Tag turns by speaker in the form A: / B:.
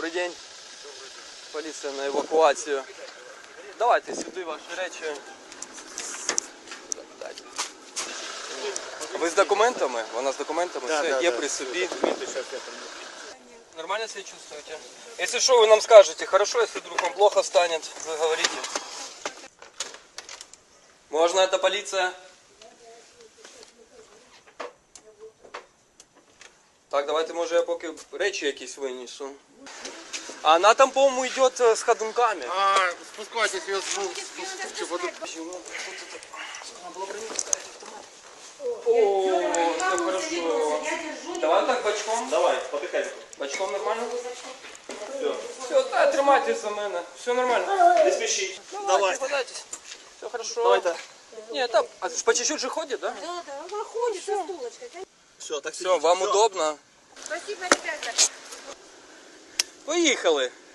A: Добрий день. Поліція на евакуацію. Давайте сюди ваші речі. Ви з документами? Вона з документами?
B: Да,
A: Все
B: да,
A: є
B: да.
A: при собі. Нормально себя чувствуете? Если что, вы нам скажете. Хорошо, если вдруг вам плохо станет, вы говорите. Можно, это полиция? Так, давайте, може, я поки речі якісь винесу. А она там, по-моему, идет с ходунками.
B: Спускайтесь, я спустите.
A: О, все хорошо. Давай так бочком.
B: Давай, попихай.
A: Бочком нормально?
B: Все.
A: Все, да, тримайтесь за мене. Все нормально.
B: Не спеши.
A: Давай. Подайтесь. Все хорошо.
B: Давай-то.
A: Нет, там по чуть-чуть же ходит, да?
C: Да, она ходит со стулочкой.
B: Все, так
A: Все, вам удобно?
C: Спасибо, ребята.
A: Поїхали.